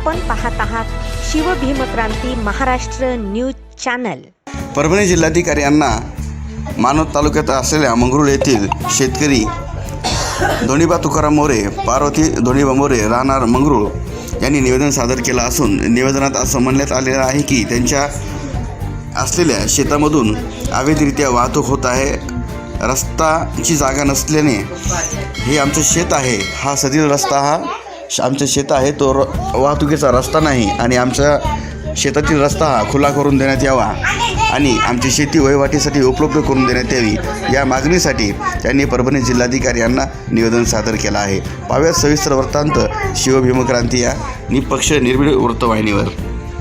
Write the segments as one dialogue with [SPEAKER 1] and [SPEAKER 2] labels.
[SPEAKER 1] आपण पाहत आहात शिवभीमक्रांती महाराष्ट्र न्यूज चॅनल।
[SPEAKER 2] परभणी जिल्हाधिकारी यांना मानवत तालुक्यात असलेल्या मंगरुळ येथील शेतकरी धोणीबा तुकाराम मोरे, पार्वती धोणीबा मोरे राहणार मंगरुळ यांनी निवेदन सादर केलं असून निवेदनात असं म्हणण्यात आलेलं आहे की त्यांच्या असलेल्या शेतामधून अवैधरित्या वाहतूक होत आहे। रस्ताची जागा नसल्याने हे आमचं शेत आहे, हा सदील रस्ता हा आमचं शेत आहे, तो वाहतुकीचा रस्ता नाही आणि आमच्या शेतातील रस्ता हा खुला करून देण्यात यावा आणि आमची शेती वहिवाटीसाठी उपलब्ध करून देण्यात यावी या मागणीसाठी त्यांनी परभणी जिल्हाधिकारी यांना निवेदन सादर केलं आहे। पाहूयात सविस्तर वृत्तांत शिवभीमक्रांती या निपक्ष निर्भीड वृत्तवाहिनीवर।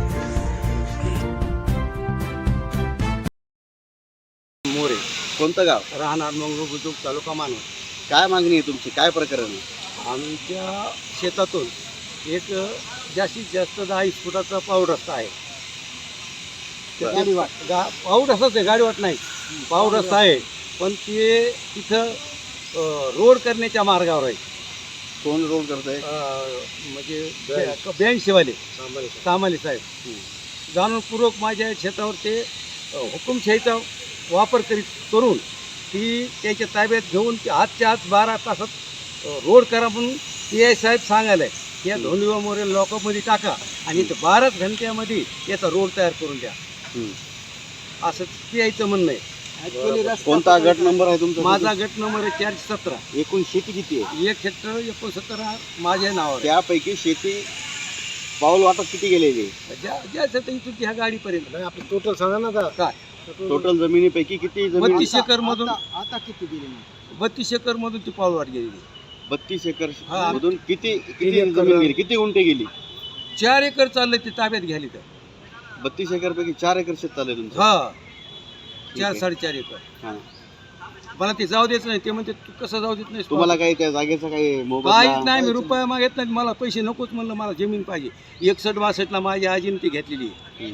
[SPEAKER 3] मोरे, कोणतं गाव?
[SPEAKER 4] राहणार मंगरुळ बुद्रुक, तालुका मानवत।
[SPEAKER 3] काय मागणी आहे तुमची? काय प्रकरण आहे?
[SPEAKER 4] आमच्या शेतातून एक जास्तीत जास्त 10 फुटाचा पाऊड रस्ता आहे। पाऊड रस्ताच आहे, गाडीवाट नाही, पाऊड रस्ता आहे, पण ते तिथं रोड करण्याच्या मार्गावर आहे।
[SPEAKER 3] कोण रोड करतंय?
[SPEAKER 4] म्हणजे बँक सामाले साहेब जाणूनपूर्वक माझ्या शेतावर ते हुकुमशाहीचा वापर करून ती त्याच्या ताब्यात घेऊन आजच्या आज 12 तासात रोड करा म्हणून PI साहेब सांगायला आहे। या धोणीबा मोरे लॉकअपमध्ये टाका आणि 12 घंट्यामध्ये याचा रोड तयार करून द्या, असं PIचं म्हणणं आहे।
[SPEAKER 3] कोणता गट नंबर आहे तुमचा?
[SPEAKER 4] माझा गट नंबर आहे 417।
[SPEAKER 3] एकूण शेती किती आहे?
[SPEAKER 4] 1 हेक्टर 69 माझ्या नावावर।
[SPEAKER 3] त्यापैकी शेती पाऊल वाटप किती गेलेली?
[SPEAKER 4] ज्या शेतात इथून ह्या गाडीपर्यंत
[SPEAKER 5] आपलं टोटल सांगा ना काय
[SPEAKER 3] टोटल जमिनीपैकी किती जमीन?
[SPEAKER 4] 32 एकर मधून
[SPEAKER 5] आता किती गेली?
[SPEAKER 4] 32 एकर मधून ती पाऊलवाट गेलेली।
[SPEAKER 3] 32 एकर
[SPEAKER 4] हा.
[SPEAKER 3] मधून किती जमीन गेली? किती गुंठे गेली?
[SPEAKER 4] 4 एकर चाललंय ते ताब्यात घ्यायली तर।
[SPEAKER 3] 32 एकर पैकी 4 एकर शेत चाललंय तुमचं?
[SPEAKER 4] हा,
[SPEAKER 3] ठीक आहे.
[SPEAKER 4] 4-4.5 एकर।
[SPEAKER 3] हा.
[SPEAKER 4] मला ते जाऊ द्यायचं नाही, ते म्हणते तू कसं जाऊ देत नाही?
[SPEAKER 3] तुम्हाला काही त्या जागेचा काही मोबदला?
[SPEAKER 4] काहीच नाही, मी रुपया मागत नाही, मला पैसे नकोच म्हणलं, मला जमीन पाहिजे। 61-62 माझ्या आजीने ती घेतलेली आहे।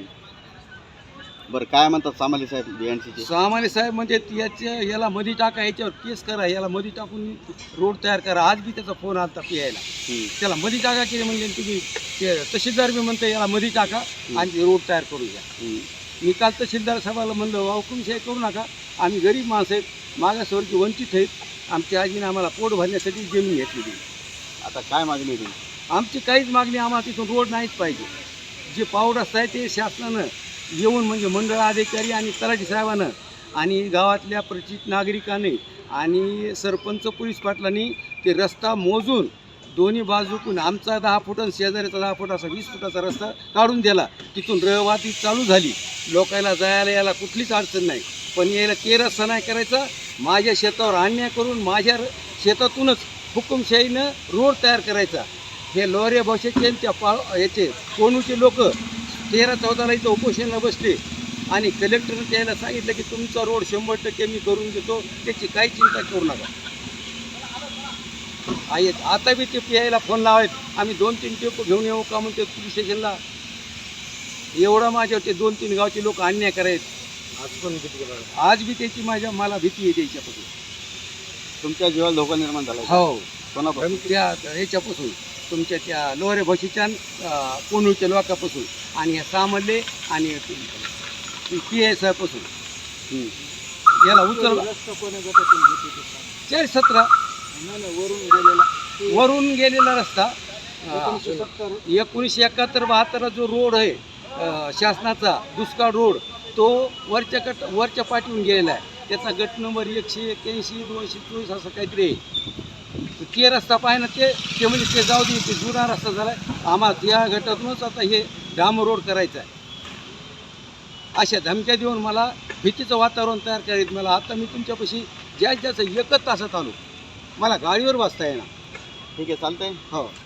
[SPEAKER 3] बरं, काय म्हणतात सामाले साहेब BNC?
[SPEAKER 4] सामान्य साहेब म्हणजे याला मध्ये टाका, याच्यावर केस करा, याला मध्ये टाकून रोड तयार करा। आज बी त्याचा फोन आलता PIला, त्याला मध्ये टाका की म्हणजे तुम्ही तहसीलदार बी म्हणते याला मध्ये टाका आणि रोड तयार करून घ्या। मी काल तहसीलदार साहेबाला म्हणलं हुकुमशाही करू नका, आम्ही गरीब माणसं आहेत, मागासवर्गीय वंचित आहेत, आमच्या आजीने आम्हाला पोट भरण्यासाठी जमीन घेतलेली।
[SPEAKER 3] आता काय मागणी आहे तुमची?
[SPEAKER 4] आमची काहीच मागणी, आम्हाला तिथून रोड नाहीच पाहिजे। जे पाऊड रस्ता आहे ते शासनानं येऊन म्हणजे मंडळ अधिकारी आणि तलाठी साहेबानं आणि गावातल्या परिचित नागरिकांनी आणि सरपंच पोलीस पाटलांनी ते रस्ता मोजून दोन्ही बाजूकून आमचा 10 फूट आणि शेजाऱ्याचा 10 फूट असा 20 फुटाचा रस्ता काढून दिला। तिथून रहवाती चालू झाली, लोकायला जायला यायला कुठलीच अडचण नाही। पण यायला ते रस्ता नाही करायचा, माझ्या शेतावर अन्याय करून माझ्या शेतातूनच हुकुमशाहीनं रोड तयार करायचा। हे लोरे भाषेचे त्या याचे कोणूचे लोक 13-14ला इथं उपोषणाला बसले आणि कलेक्टरने त्याला सांगितलं की तुमचा रोड 100% मी करून देतो, त्याची काही चिंता करू नका। आहेत आता बी ते PIला फोन लावायत, आम्ही 2-3 टेपो घेऊन येऊ का म्हणते पोलीस स्टेशनला। एवढा माझ्यावर ते 2-3 गावचे लोक अन्याय करायत। आज बी त्याची मला भीती आहे त्याच्यापासून।
[SPEAKER 3] तुमच्या जीवाला धोका निर्माण झाला?
[SPEAKER 4] हो,
[SPEAKER 3] कोणापासून?
[SPEAKER 4] त्या ह्याच्यापासून, तुमच्या त्या लोहरे भाषेच्या कोणूच्या लोकांपासून आणि ह्या सामडले आणि PI साहेबपासून। याला उचल 417 वरून गेलेला रस्ता 1971-72 जो रोड आहे शासनाचा दुष्काळ रोड, तो वरच्या पाठवून गेलेला आहे। त्याचा गट नंबर 181-224 असं काहीतरी आहे। ते रस्ता पाहिजे ते म्हणजे ते जाऊ दे, ते जुना रस्ता झाला आहे, आम्हाला या गटातूनच आता हे डांबर रोड करायचा आहे। अशा धमक्या देऊन मला भीतीचं वातावरण तयार करायचं। मला आता मी तुमच्यापाशी जास्त 1 तासात आलो, मला गाडीवर बसता येणार।
[SPEAKER 3] ठीक आहे, चालतंय।
[SPEAKER 4] हो.